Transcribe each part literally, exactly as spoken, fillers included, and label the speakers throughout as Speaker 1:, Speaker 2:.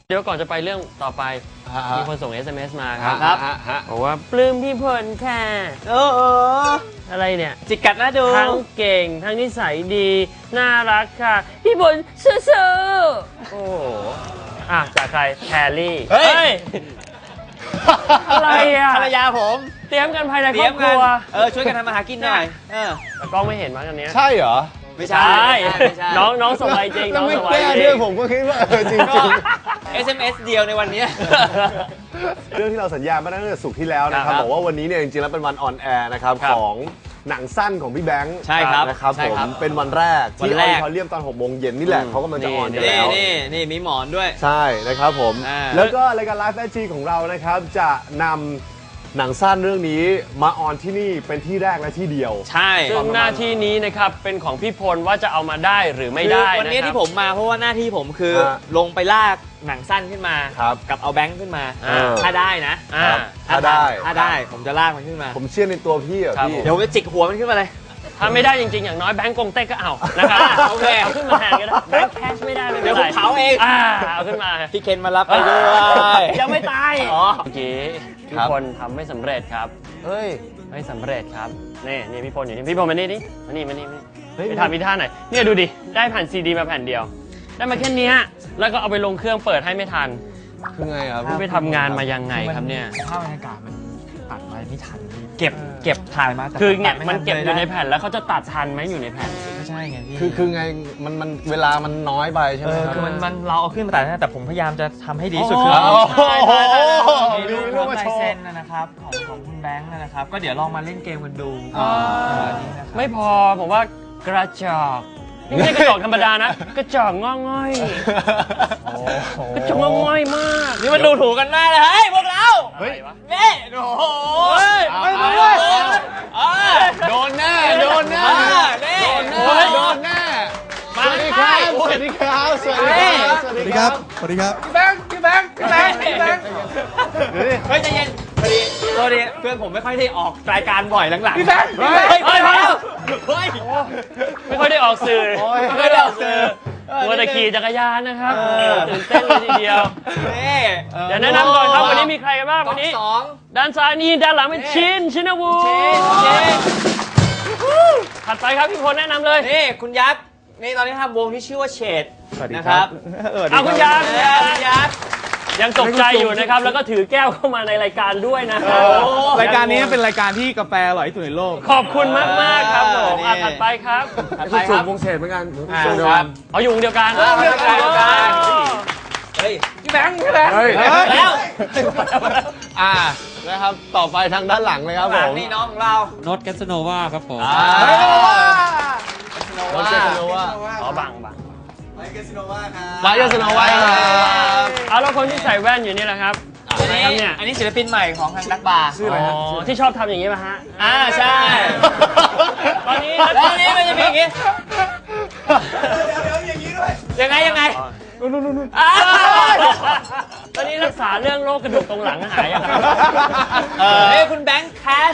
Speaker 1: เดี๋ยวก่อนจะไปเรื่องต่อไปมีคนส่ง เอส เอ็ม เอส มาครับบอกว่าปลื้มพี่พลค่ะเออเอออะไรเนี่ยจิกกัดน่าดูทั้งเก่งทั้งนิสัยดีน่ารักค่ะพี่พลซื่อๆโอ้โหอ่ะจากใครแพรลี่เฮ้ยอะไรอ่ะภรรยาผมเตรียมกันภายในครอบครัวเออช่วยกันทำมาหากินหน่อยเออแต่กล้องไม่เห็นมั้งอันนี้ใช่เหรอไม่ใช่น้องน้องส่งไปจริงน้องส่งไปจริงผมก็คิดว่าเออจริงจริง เอส เอ็ม เอส เดียวในวันนี้
Speaker 2: เรื่องที่เราสัญญามาตั้งแต่ศุกร์ที่แล้วนะครับบอกว่าวันนี้เนี่ยจริงๆแล้วเป็นวันออนแอร์นะครับของหนังสั้นของพี่แบงค์ใช่ครับนะครับผมเป็นวันแรกที่ออดิทอเรียมตอนหกโมงเย็นนี่แหละเขากำลังจะออนกันแล้ว
Speaker 1: นี่นี่มีหมอนด้วย
Speaker 2: ใช่นะครับผมแล้วก็รายการไลฟ์แอจีของเรานะครับจะนำหนังสั้นเรื่องนี้มาออนที่นี่เป็นที่แรกและที่เดียว
Speaker 1: ใช่ซึ่งหน้าที่นี้นะครับเป็นของพี่พลว่าจะเอามาได้หรือไม่ได้วันนี้ที่ผมมาเพราะว่าหน้าที่ผมคือลงไปลากหนังสั้นขึ้นมากับเอาแบงค์ขึ้นมาถ้าได้นะ
Speaker 2: ถ้าได้
Speaker 1: ถ้าได้ผมจะลากมันขึ้นมา
Speaker 2: ผมเชื่อในตัวพี่อ่ะพี่
Speaker 1: เดี๋ยวจะจิกหัวมันขึ้นมาเลยถ้าไม่ได้จริงๆอย่างน้อยแบงก์กงเต้ก็เอานะครับโอเคเอาขึ้นมาแทนก็ได้แบงก์แคชไม่ได้ไม่เป็นไรเดี๋ยวผมเผาเองอ่าเอาขึ้นมาพี่เคนมารับไปด้วยยังไม่ตายอ๋อเมื่อกี้พี่พลทำไม่สำเร็จครับเฮ้ยไม่สำเร็จครับนี่นี่พี่พลอยู่นี่พี่พลมานี่ดิมานี่มานี่ไปทำอีท่าไหนเนี่ยดูดิได้แผ่นซีดีมาแผ่นเดียวได้มาแค่นี้แล้วก็เอาไปลงเครื่องเปิดให้ไม่ทัน
Speaker 2: คือไงครับ
Speaker 1: ไปทำงานมายังไงครับเนี่ย
Speaker 3: ภาพบรรยากาศมันตัดไปไม่ทันเก็บเก็บถ่ายมา
Speaker 1: คือเนี่ยมันเก็บอยู่ในแผ่นแล้วเขาจะตัดทันไหมอยู่ในแผ่น
Speaker 3: ไม่ใช่ไงพี่
Speaker 2: คือคือไงมันมันเวลามันน้อยไปใช่ไหม
Speaker 3: คือมันมันเราเอาขึ้นมาตัดนะแต่ผมพยายามจะทำให้ดีที่สุดคือมีรูปลายเซ็นนะครับของของคุณแบงค์นะครับก็เดี๋ยวลองมาเล่นเกมกันดู
Speaker 1: ไม่พอผมว่ากระจอกนี่ไม่ใช่กระจอกธรรมดานะกระจอกงอง่อยกระจอกงอง่อยมากนี่มันดูถูกกันมากเลยเฮ้ยพวกเราเฮ้ยนี่โอ้โหไม่ไม่ไม่
Speaker 2: โดนแน่โดนแน่โดนแน่โดนแน่สวัสดีครับสวัสดีครับสวัสดีครับ
Speaker 3: สวัสดีครับสวัสดีครับ
Speaker 1: พี่แบงค์พี่แบงค์พี่แบงค์พี่แบงค์เฮ้ยใจเย็นพอดีพอดีเพื่อนผมไม่ค่อยได้ออกรายการบ่อยหลังๆพี่แบงค์เฮ้ยเฮ้ยเฮ้ยไม่ค่อยได้ออกสื่อไม่ค่อยได้ออกสื่อมัวแต่ขี่จักรยานนะครับตื่นเต้นเลยทีเดียวเดี๋ยวแนะนำก่อนครับวันนี้มีใครกันบ้างวันนี้ด้านซ้ายนี่ด้านหลังเป็นชินชินวูถัดไปครับพี่พลแนะนำเลยนี่คุณยักษ์นี่ตอนนี้ทำวงที่ชื่อว่าเฉดนะครับเอาคุณยักษ์คุณยักษ์ยังตกใจอยู่นะครับแล้วก็ถือแก้วเข้ามาในรายการด้วยนะครับ
Speaker 3: รายการนี้เป็นรายการที่กาแฟอร่อยที่สุดในโลก
Speaker 1: ขอบคุณมากมากครับผมถัดไปครับ
Speaker 2: คุณสูงวงเฉดเหมือนกัน
Speaker 1: เอาอยู่วงเดียวกันวงเดียวกันเฮ้ยพี่แบงค์พี่แบงค์แล้ว
Speaker 2: อ่านะครับต่อไปทางด้านหลังเลยครับผม
Speaker 1: นี่น้องของเรา
Speaker 3: โนตแกสโนวาครับผม
Speaker 2: โนตแกสโนวา
Speaker 1: อ๋อบังบัง
Speaker 2: ไมค์แกสโนวาครับไมค์แกสโนวาครับ
Speaker 1: เอาแล้วคนที่ใส่แว่นอยู่นี่แหละครับ
Speaker 3: อันนี้อันนี้ศิลปินใหม่ของทางนักบาร์
Speaker 1: ชื่ออะไรที่ชอบทำอย่างนี้ป่ะฮะอ่าใช่ตอนนี้ตอนนี้มันจะมีอย่างนี้เดี๋ยวเดี๋ยวอย่างนี้ด้วยยังไงยังไงนู่นนู่นนู่นตอนนี้รักษาเรื่องโรคกระดูกตรงหลังหายยังไงเฮ้ยคุณแบงค์แคช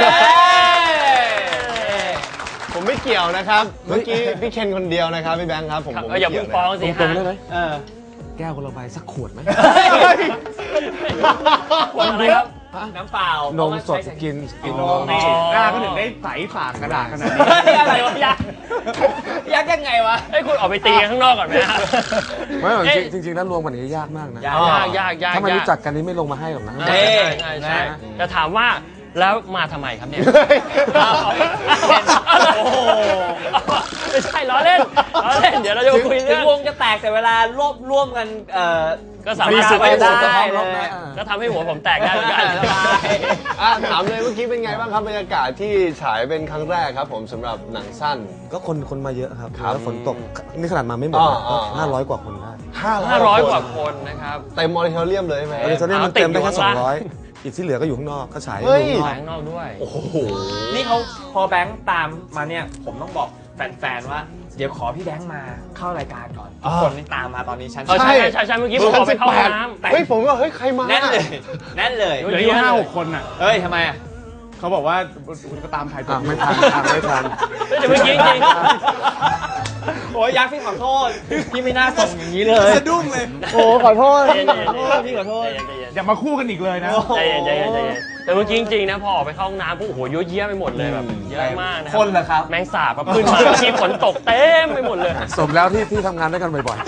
Speaker 2: ผมไม่เกี่ยวนะครับเมื่อกี้พี่เคนคนเดียวนะครับพี่แบงค์ครับผม
Speaker 1: อย่าเพิ่งฟ้องสิฮะ
Speaker 2: แก้วคนละใบสักขวดไหม
Speaker 1: ขวดอะไรครับน้ำเปล่าน
Speaker 2: มสดกินกินนม
Speaker 3: กล้าก็ถึงได้ใสฝากกระดาษขนาดนี้
Speaker 1: อะไรวะยักษ์ยักษ์ยังไงวะให้คุณออกไปตีข้างนอกก่อนไหมฮะ
Speaker 2: ไม่จริงจริงแล้วรวมกันนี้ยากมากนะ
Speaker 1: ยากยากยาก
Speaker 2: ถ้าไม่รู้จักกันนี้ไม่ลงมาให้หรอกนะ
Speaker 1: ใช่ใช่ใช่จะถามว่าแล้วมาทำไมครับเนี่ยโอ้โหไม่ใช่ล้อเล่นล้อเล่นเดี๋ยวเราจะคุยเรื่องวงจะแตกแต่เวลารวบร่วมกันก็สามารถไปได้ก็ทำให้หัวผมแตกได้เหมือนกัน
Speaker 2: ถามเลยเมื่อกี้เป็นไงบ้างครับบรรยากาศที่ฉายเป็นครั้งแรกครับผมสำหรับหนังสั้น
Speaker 4: ก็คนคนมาเยอะครับแล้วฝนตกนี่ขนาดมาไม่หมดห้าร้อยกว่าคนได้
Speaker 1: ห้าร้อยกว่าคนนะครับ
Speaker 2: เต็มมอนิเทอร์เรียมเลยไหม
Speaker 4: มอนิเทอร์เรียมมันเต็มได้แค่สองร้อยอีกที่เหลือก็อยู่ข้างนอกก็ฉาย
Speaker 1: อยู่ข้างนอกด้วย
Speaker 2: โอ้โห
Speaker 3: นี่เขาพอแบงค์ตามมาเนี่ยผมต้องบอกแฟนๆว่าเดี๋ยวขอพี่แบงค์มาเข้ารายการก่อนคนที่ตามมาตอนนี้ฉัน
Speaker 1: ใช่ใช่ใช่เมื่อกี้ผมขอไปเข้าน้
Speaker 2: ำเฮ้ยผมว่าเฮ้ยใครมา
Speaker 3: แน่นเลยแน่นเลย
Speaker 1: เหลืออยู่ห้าหกคนอ่ะ
Speaker 3: เฮ้ยทำไมอ่ะ
Speaker 5: เขาบอกว่าก็ตามถ่ายตัว
Speaker 2: ไม่ทันไม่ทัน
Speaker 1: เดี๋ยวเมื่อกี้จริง
Speaker 3: โอ้ยยักษ์พี่ขอโทษ พี่ไม่น่าส่งอย่างนี้เลย
Speaker 5: สะดุ้งเลย
Speaker 2: โอ้ขอโทษ
Speaker 1: ใจเย็นๆ
Speaker 3: พี่ขอโทษ
Speaker 1: ใจเย็น
Speaker 5: อย่ามาคู่กันอีกเลยนะ
Speaker 1: ใจเย็นใจเย็นใจเย็นแต่เมื่อกี้จริงๆนะพอออกไปเข้าห้องน้ำปุ๊บโอ้โหเยอะแยะไปหมดเลยแบบเยอะมากนะ
Speaker 3: คนเหรอครับ
Speaker 1: แมงสาบแบบขึ้นมาที่ฝนตกเต็มไปหมดเลย
Speaker 2: สมแล้วที่ที่ทำงานด้วยกันบ่อย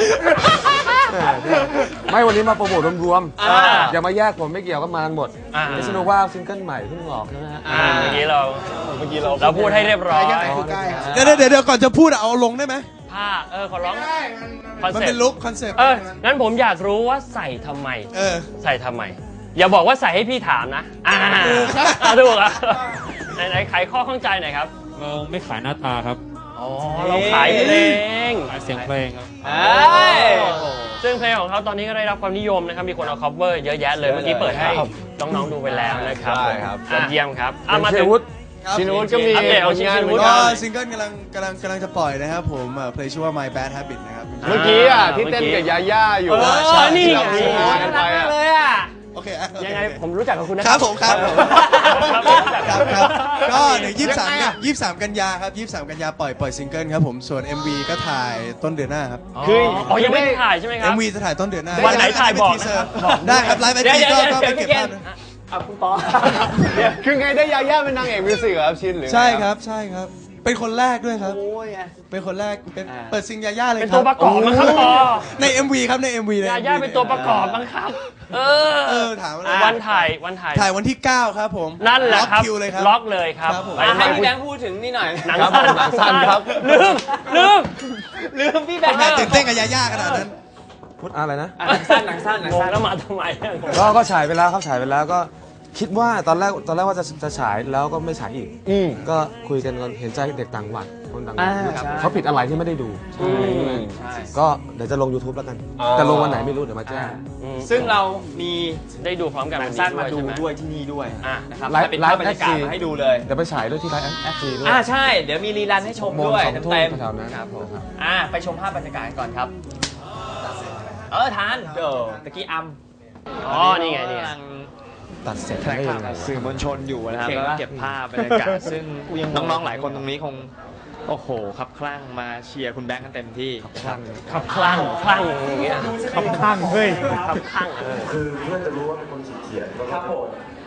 Speaker 2: ๆ ไม่วันนี้มาโปรโมทรวม
Speaker 1: อ่า
Speaker 2: ๆอย่ามาแยกผมไม่เกี่ยวก็มากันหมด
Speaker 1: อ่า
Speaker 2: นิสโนว่าซิงเกิลใหม่เพิ่งออกใช่ไหมฮะ
Speaker 1: อ่าเมื่อกี้เราเมื่อกี้เราเราพูดให้เรียบร้อย
Speaker 5: เดี๋ยวเดี๋ยวเดี๋ยวก่อนจะพูดเอาลงได้ไหม
Speaker 1: ผ้าเออขอร้องคอน
Speaker 5: มัน
Speaker 1: เซ็ป
Speaker 5: เป็น
Speaker 1: ต์
Speaker 5: ลุคคอนเซ็ปต์
Speaker 1: เอองั้นผมอยากรู้ว่าใส่ทำไม
Speaker 5: เออ
Speaker 1: ใส่ทำไม อย่าบอกว่าใส่ให้พี่ถามนะอ่า
Speaker 5: ถูกครับ
Speaker 1: อ่าถูกอ่ะไหนไหนไขข้อข้องใจหน่อยครับ
Speaker 6: เราไม่ขายหน้าตาครับ
Speaker 1: อ๋อเราขายเพลง
Speaker 6: ขายเสียงเพลงครับ
Speaker 3: เอ้ย
Speaker 1: ซึ่งเพลงของเขาตอนนี้ก็ได้รับความนิยมนะครับ มีคนเอา cover เยอะแยะเลย เมื่อกี้เปิดให้น้องๆดูไปแล้วนะครับ
Speaker 2: ใช่ครับ
Speaker 1: ยอดเยี่ยมครับอ่ะมา
Speaker 2: เช
Speaker 1: ถึง
Speaker 2: วุฒิ
Speaker 5: ครับ
Speaker 2: ชินวุฒิก็มี
Speaker 1: อัปเดตเอา
Speaker 2: ผลงาน
Speaker 1: ชินวุฒิ
Speaker 2: เหมือน
Speaker 5: ก็
Speaker 2: กัน
Speaker 5: ซิงเกิลกำลังกำลังกำลังจะปล่อยนะครับผมเอ่อเพลงชื่อว่า My Bad Habit นะครับ
Speaker 2: เมื่อกี้อ่ะ
Speaker 1: อ่า
Speaker 2: ที่เต้น
Speaker 1: เมื่อกี้
Speaker 2: กับยาย่าอยู่
Speaker 1: เออ
Speaker 2: ใช่
Speaker 1: นี่
Speaker 2: ที่
Speaker 1: ไง
Speaker 2: เราโชว์กันไปอ่ะ
Speaker 3: เลยอ่ะ
Speaker 5: โอเคอ่ะ
Speaker 1: ยังไงผมรู้จักกับคุณนะ
Speaker 5: ครับผมครับผม
Speaker 1: ครับ
Speaker 5: ครับครับก็เดี๋ยวยี่สิบสามยี่สิบสามกันยาครับยี่สิบสามกันยาปล่อยปล่อยซิงเกิลครับผมส่วน เอ็ม วี ก็ถ่ายต้นเดือนหน้าครับ
Speaker 2: คือ
Speaker 1: อ๋อยังไม่ได้ถ่ายใช่ไหมครั
Speaker 5: เอ็
Speaker 1: บ
Speaker 5: ม วี จะถ่ายต้นเดือนหน้า
Speaker 1: วันไหนถ่ายบอก
Speaker 5: ทีเซอร์
Speaker 1: บอก
Speaker 5: ได้ครับไลฟ์ไอ
Speaker 3: เดี๋ยว
Speaker 5: จี
Speaker 3: เดี๋ยว
Speaker 5: ก็
Speaker 3: เดี๋ยว
Speaker 5: ก็ไป
Speaker 3: เดี๋ยว
Speaker 5: เก็บ
Speaker 3: พี่เก
Speaker 5: ภา
Speaker 3: ณ
Speaker 5: พ
Speaker 3: ฑ์
Speaker 5: นะ
Speaker 3: เอาคุณปอ
Speaker 2: คือไงได้ยาย่าเป็นนางเอกมิวสิกเหรอครับชินหรือไง
Speaker 5: ใช่ครับใช่ครับ เป็นคนแรกด้วยครับ
Speaker 3: โอ้ยไง
Speaker 5: เป็นคนแรกเป็น
Speaker 3: อ่า
Speaker 5: เปิดซิงยาย่าเลย
Speaker 1: เป็น
Speaker 5: ครั
Speaker 1: ตัวประกอบมั้งครับปอ
Speaker 5: ใน เอ็ม วี ครับใน เอ็ม วี ใน
Speaker 1: ยา
Speaker 5: เอ็มวี
Speaker 1: ย่าเป็นตัวประกอบมั้งครับ เออ
Speaker 5: เออถามอะไร
Speaker 1: วันถ่ายวันถ่าย
Speaker 5: ถ่ายวันที่เก้าครับผม
Speaker 1: นั่นแหละ
Speaker 5: ล็อก
Speaker 1: ครับ
Speaker 5: คิวเลยครับ
Speaker 1: ล็อกเลยครับ
Speaker 5: ครับผม
Speaker 1: ไป
Speaker 3: อ่ะให้
Speaker 1: ถ่าย
Speaker 3: พี่แบงค์พูดถึงนี่หน่อย
Speaker 1: หนัง
Speaker 2: ครับ
Speaker 1: สั้น
Speaker 2: ผมหนังสั้นครับ
Speaker 1: ลืมลืม
Speaker 3: ลืมพี่แบงค์
Speaker 5: ทำไมตื่นเต้นกับยาย่าขนาดนั้น
Speaker 2: พูดอะไรนะ
Speaker 3: อ่ะหนังสั้นหนังสั้นหนัง
Speaker 1: งง
Speaker 3: สั้น
Speaker 1: แล้วมาทำไมอ่ะ
Speaker 2: ก็ก็ฉายไปแล้วครับฉายไปแล้วก็คิดว่าตอนแรกตอนแรกว่าจะจะฉายแล้วก็ไม่ฉายอีกอืมก็คุยกันก่อนเห็นใจเด็กต่างจังหวัดคนต่างจังห
Speaker 3: อ่า
Speaker 2: วัด
Speaker 3: ใช่
Speaker 2: เขาผิดอะไรที่ไม่ได้ดู
Speaker 1: อืม
Speaker 3: ใช่
Speaker 2: ก็เดี๋ยวจะลง YouTube แล้วกัน
Speaker 3: อ๋อ
Speaker 2: แต่ลงวันไหนไม่รู้เดี๋ยวมาแจ้ง
Speaker 1: อืม
Speaker 3: ซึ่งเรามี
Speaker 1: ได้ดูพร้อมกัน
Speaker 3: หนั
Speaker 1: วั
Speaker 3: ง
Speaker 1: น
Speaker 3: สั้
Speaker 1: นี้
Speaker 3: นมาดู
Speaker 1: ใช่ไหม
Speaker 3: ด้วยที่นี่ด้วย
Speaker 1: อ่ะ
Speaker 3: นะครับ
Speaker 2: ไลฟ์
Speaker 3: จะเป็นภาพบรรยากาศ
Speaker 2: ไลฟ์
Speaker 3: มาให้ดูเลย
Speaker 2: เดี๋ยวไปฉายด้วยที่ไลฟ์แอฟซีด้วย
Speaker 3: อ่าใช่ เดี๋ยวมีรีรันให้ชมด้วย
Speaker 2: โมงสองทุ่ม
Speaker 3: เต็ม
Speaker 2: แถวๆนั้น
Speaker 3: ๆครับผม
Speaker 2: นะครับ
Speaker 3: อ่าไปชมภาพบรรยากาศกันก่อนครับ เออทานเดี๋ยวตะกี้อัม
Speaker 1: อ๋อนี่ไงนี่ไง
Speaker 3: กำลัง
Speaker 2: ตัดเสร็จ
Speaker 3: แถลง
Speaker 2: ได้
Speaker 3: ข่า
Speaker 2: ยั
Speaker 3: ว
Speaker 2: งไง
Speaker 3: กับสื่อมวลชนอยู่นะครับ
Speaker 1: เก่ง
Speaker 3: แล้วก็
Speaker 1: ปะ
Speaker 3: เก็บภาพบรรยากาศ ซึ่งน้องๆหลายคนตรงนี้คงโอ้โหครับคลั่งมาเชียร์คุณแบงค์กันเต็มที่ครับ
Speaker 1: ขับคลั่งคลั่งอย่างเงี้ย
Speaker 5: ขับข้างเฮ้ย
Speaker 1: ขับคลั่งเออ
Speaker 4: คือเพื่อนจะรู้ว่าเป็นคนขีดเขียนก็
Speaker 3: ครับผม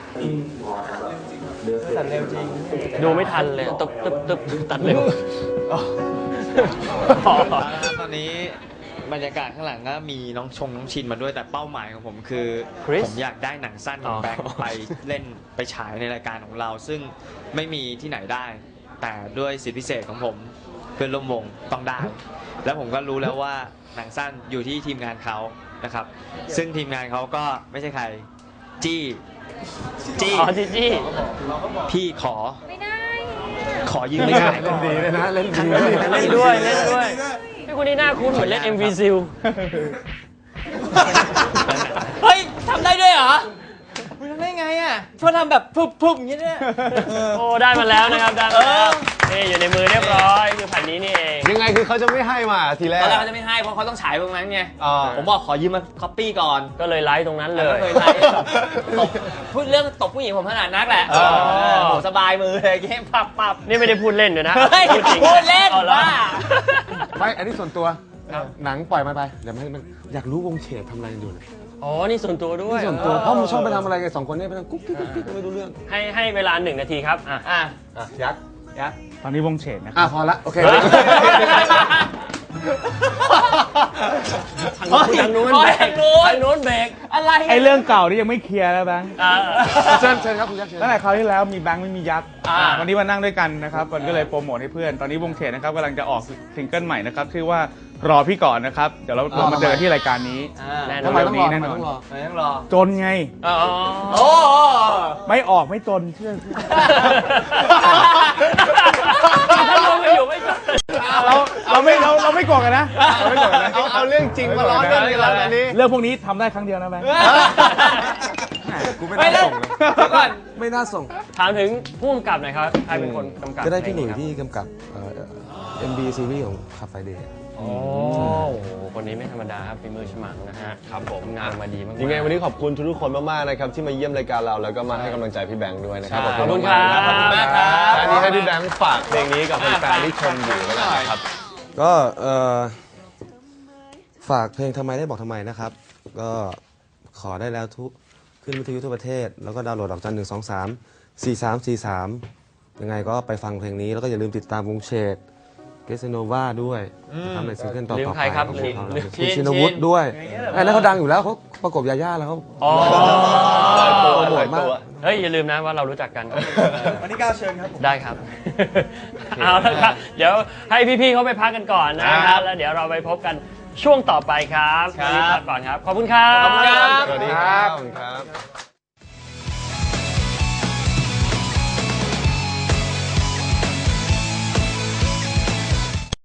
Speaker 4: ตัดเร็วจริง
Speaker 1: ดูไม่ทันเลยตึ๊บตึ๊บตึ๊บตัดเร็ว
Speaker 3: ตอนนี้บรรยากาศข้างหลังก็มีน้องชงน้องชินมาด้วยแต่เป้าหมายของผมคือ
Speaker 1: Chris
Speaker 3: ผมอยากได้หนังสั้นของ
Speaker 1: อ๋อ
Speaker 3: แบงค์ไปเล่นไปฉายในรายการของเรา ซึ่งไม่มีที่ไหนได้ แต่ด้วยสิทธิพิเศษของผมเพื่อนร่วมวงต้องได้ แล้วผมก็รู้แล้วว่าหนังสั้นอยู่ที่ทีมงานเขานะครับ ซึ่งทีมงานเขาก็ไม่ใช่ใครจี้จี้
Speaker 1: อ๋อจีจี้
Speaker 3: พี่ขอ
Speaker 7: ไม่ได้
Speaker 3: ขอยืมไม่ขายก่อน
Speaker 2: ดีเลยนะเล่นดี
Speaker 1: เล่นด้วยเล่นด้วยพี่คนนี้หน้าคุ้นเหมือนเล่น เอ็ม วี ซิล
Speaker 3: เฮ้ยทำได้ด้วยเหรอมึงทำได้ไงอ่ะชอบทำแบบพุบๆอย่างนี้เนี่ย
Speaker 1: โอ้ได้มาแล้วนะครับได้มาแล้วนี่อยู่ในมือเรียบร้อยคือแผ่นนี้นี่เอง
Speaker 2: ยังไงคือเขาจะไม่ให้มาทีแร
Speaker 3: ต
Speaker 2: ก
Speaker 3: อนแรกเขาจะไม่ให้เพราะเขาต้องฉายตรงนั้นไง
Speaker 2: อ่า
Speaker 3: ผมบอกขอยืมมาคัปปี้ก่อน
Speaker 1: ก็เลยไลฟ์ตรงนั้นเล
Speaker 3: แล้ว
Speaker 1: ย
Speaker 3: ก็เคยไล่ตบพูดเรื่องตบผู้หญิงผมถนัดนักแหละ
Speaker 1: อ๋อ
Speaker 3: เออโหสบายมือเลยเกมปับปับ
Speaker 1: นี่ไม่ได้พูดเล่นด้วยนะ
Speaker 3: เฮ้ย
Speaker 1: พูดจริง
Speaker 3: พูดเล่น
Speaker 1: อาหรอ
Speaker 3: บ้า
Speaker 2: ไม่อันนี้ส่วนตัวหนังปล่อยมาไปเดี๋ยวให้มันอยากรู้วงเฉดทำอะไรกันอยู่เนี่ย
Speaker 1: อ๋อ นี่ส่วนตัวด้วย
Speaker 2: นี่ส่วนตัวเพราะมันชอบไปทำอะไรกันสองคนเนี่ยไปทำกุ๊กกิ๊กกุ๊กกิ๊กไม่รู้เรื่อง
Speaker 1: ให้ให้เวลาหนึ่งนาทีครับ อ่ะ
Speaker 3: อ่ะ
Speaker 2: อ่ะยักษ์
Speaker 3: ยักษ์
Speaker 5: ตอนนี้วงเฉดนะค
Speaker 2: อ่ะ
Speaker 5: รับ
Speaker 2: พอละโอเค
Speaker 1: ทางนู้นทางนู้น
Speaker 3: โอ้
Speaker 1: เบ
Speaker 3: ย
Speaker 1: รก
Speaker 3: ทางนู้น
Speaker 1: ทางนู้นเบรก
Speaker 3: อะไร
Speaker 5: ไอเรื่องเก่านี่ยังไม่เคลียร์แล้วแบงค์
Speaker 1: อ่า
Speaker 2: เชิญเชิญครับคุณยักษ์เชิญ
Speaker 5: ตั้งแต่คราวที่แล้วมีแบงค์ไม่มียักษ์
Speaker 1: อ่า
Speaker 5: วันนี้มานั่งด้วยกันนะครับมันก็เลยโปรโมทให้เพื่อน ตอนนี้วงเฉดนะครับกำลังจะออกซิงเกิลใหม่นะครับชื่อว่ารอพี่ก่อนนะครับ เดี๋ยวเราเรามาเจอกันที่รายการนี้
Speaker 3: อ่า
Speaker 1: แน่น
Speaker 2: ทำ
Speaker 1: อน
Speaker 2: ไมต้องรอ
Speaker 5: แน่
Speaker 2: ทำไม
Speaker 5: นอน
Speaker 2: ต้องรอ
Speaker 3: ไม่ต้องรอ
Speaker 5: จนไง
Speaker 1: อ๋อ
Speaker 3: โอ้
Speaker 5: ไม่ออกไม่จนเชื่อ
Speaker 1: ถ้าลงไปอยู่ไม่จบ
Speaker 5: เราเราไม่เราเราไม่โกรธกันนะเราไม่โกรธกันนะ
Speaker 2: เอาเอาเรื่องจริงมาล้อเล่นกันแล้วตอนนี้
Speaker 5: เรื่องพวกนี้ทำได้ครั้งเดียวนะแบงค์
Speaker 2: กูไม่
Speaker 3: ไม่
Speaker 2: น่า
Speaker 3: ได้
Speaker 2: ส่งเลย
Speaker 3: เดี๋ยวก่อน
Speaker 2: ไม่น่าส่ง
Speaker 1: ถามถึงผู้กำกับหน่อยครับ ใครเป็นคนกำกับ
Speaker 2: ก็ได้พี่หนุ่ย
Speaker 1: เพลงนี้
Speaker 2: ที่กำกับเอ็มบีซีรีส์ของคาไฟเดย์
Speaker 1: ครับโอ้โหคนนี้ไม่ธรรมดาครับฝีมือฉมังนะฮะ
Speaker 2: ครับผม
Speaker 1: ทำงานมาดีมากๆ
Speaker 2: ยังไงวันนี้ขอบคุณทุกๆคนมากๆนะครับที่มาเยี่ยมรายการเราแล้วก็มาให้กำลังใจพี่แบงค์ด้วยนะครับ
Speaker 1: ขอบคุณครับ
Speaker 2: ขอบคุณมากครับอันนี้ให้พี่แบงค์ฝากเพลงนี้กับแฟนๆที่ชมอยู่แล้วกันนะครับ
Speaker 4: ก็เอ่อฝากเพลงทำไมได้บอกทำไมนะครับ ก็ขอได้แล้วทุกขึ้นวิทยุทั่วประเทศ แล้วก็ดาวน์โหลดดอกจันหนึ่งสองสามสี่สามสี่สามยังไงก็ไปฟังเพลงนี้แล้วก็อย่าลืมติดตามวงเชดเกสโนวาด้วยนะครับในซิงเกิลต่อ
Speaker 1: ลืม
Speaker 4: ต่อ
Speaker 1: ใค
Speaker 4: ไป
Speaker 1: รครับ
Speaker 4: ของ
Speaker 1: ลืม
Speaker 4: เขา
Speaker 1: ลืม
Speaker 4: คุณชินวุฒิด้วยไอ้นั่นเขาดังอยู่แล้วเขาประกบยาย่าแล้วเขา
Speaker 1: อ๋อ
Speaker 2: ตัว
Speaker 4: โปรโมทมาก
Speaker 1: เฮ้ยอย่าลืมนะว่าเรารู้จักกัน
Speaker 7: วันที่เก้าเชิญครับผม
Speaker 1: ได้ครับ เอาละครับ เดี๋ยวให้พี่ๆเขาไปพักกันก่อนนะค
Speaker 2: ครั
Speaker 1: รับบ แล้วเดี๋ยวเราไปพบกันช่วงต่อไปครับวันนี้พักก่อนครับ ขอบคุณครับ
Speaker 3: ขอบคุณครับ
Speaker 2: สวัสดีครับขอบคุณครับ